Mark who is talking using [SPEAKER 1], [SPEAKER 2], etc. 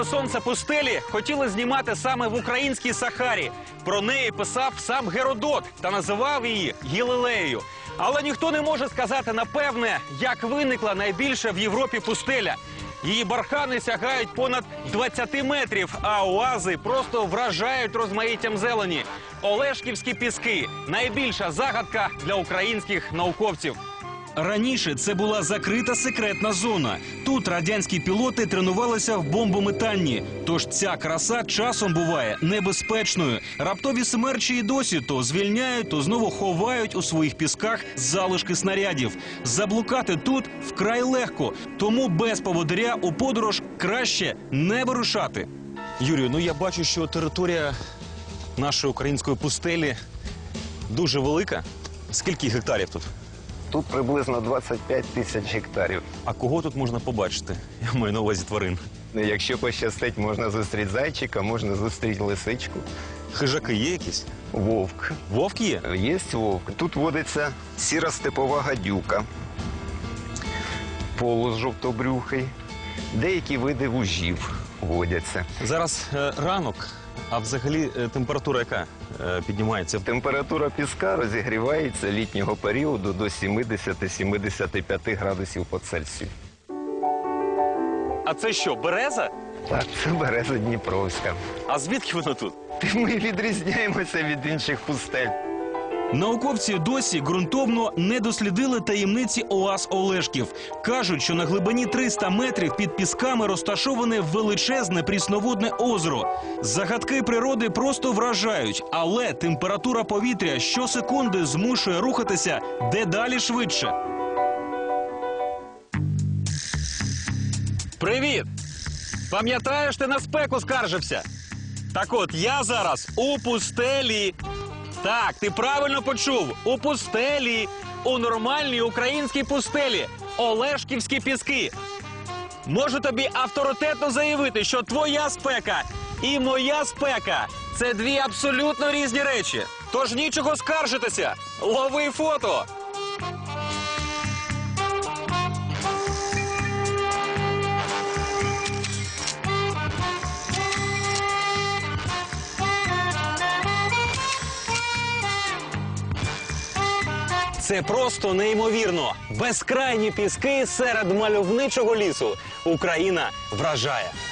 [SPEAKER 1] Палало сонце пустелі хотіли знімати саме в українській Сахарі. Про неї писав сам Геродот та називав її Галілеєю. Але ніхто не може сказати напевне, як виникла найбільша в Європі пустеля. Її бархани сягають понад 20 метрів, а оази просто вражають розмаїттям зелені. Олешківські піски – найбільша загадка для українських науковців. Раніше це була закрита секретна зона. Тут радянські пілоти тренувалися в бомбометанні. Тож ця краса часом буває небезпечною. Раптові смерчі і досі то звільняють, то знову ховають у своїх пісках залишки снарядів. Заблукати тут вкрай легко, тому без поводиря у подорож краще не вирушати. Юрію, ну я бачу, що територія нашої української пустелі дуже велика. Скільки гектарів тут?
[SPEAKER 2] Тут приблизно 25 тисяч гектарів.
[SPEAKER 1] А кого тут можна побачити? Я маю на увазі тварин.
[SPEAKER 2] Якщо пощастить, можна зустріти зайчика, можна зустріти лисичку.
[SPEAKER 1] Хижаки є якісь?
[SPEAKER 2] Вовк.
[SPEAKER 1] Вовк є?
[SPEAKER 2] Є вовк. Тут водиться сіра-степова гадюка, полос жовтобрюхий, деякі види вужів водяться.
[SPEAKER 1] Зараз ранок, а взагалі температура яка піднімається?
[SPEAKER 2] Температура піска розігрівається літнього періоду до 70-75 градусів по Цельсію.
[SPEAKER 1] А це що, береза?
[SPEAKER 2] Так, це береза Дніпровська.
[SPEAKER 1] А звідки воно тут?
[SPEAKER 2] Ми відрізняємося від інших пустель.
[SPEAKER 1] Науковці досі ґрунтовно не дослідили таємниці оаз Олешків. Кажуть, що на глибині 300 метрів під пісками розташоване величезне прісноводне озеро. Загадки природи просто вражають, але температура повітря щосекунди змушує рухатися дедалі швидше. Привіт! Пам'ятаєш, ти на спеку скаржився? Так от, я зараз у пустелі. Так, ти правильно почув. У пустелі. У нормальній українській пустелі. Олешківські піски. Можу тобі авторитетно заявити, що твоя спека і моя спека – це дві абсолютно різні речі. Тож нічого скаржитися. Лови фото. Це просто неймовірно. Безкрайні піски серед мальовничого лісу. Україна вражає.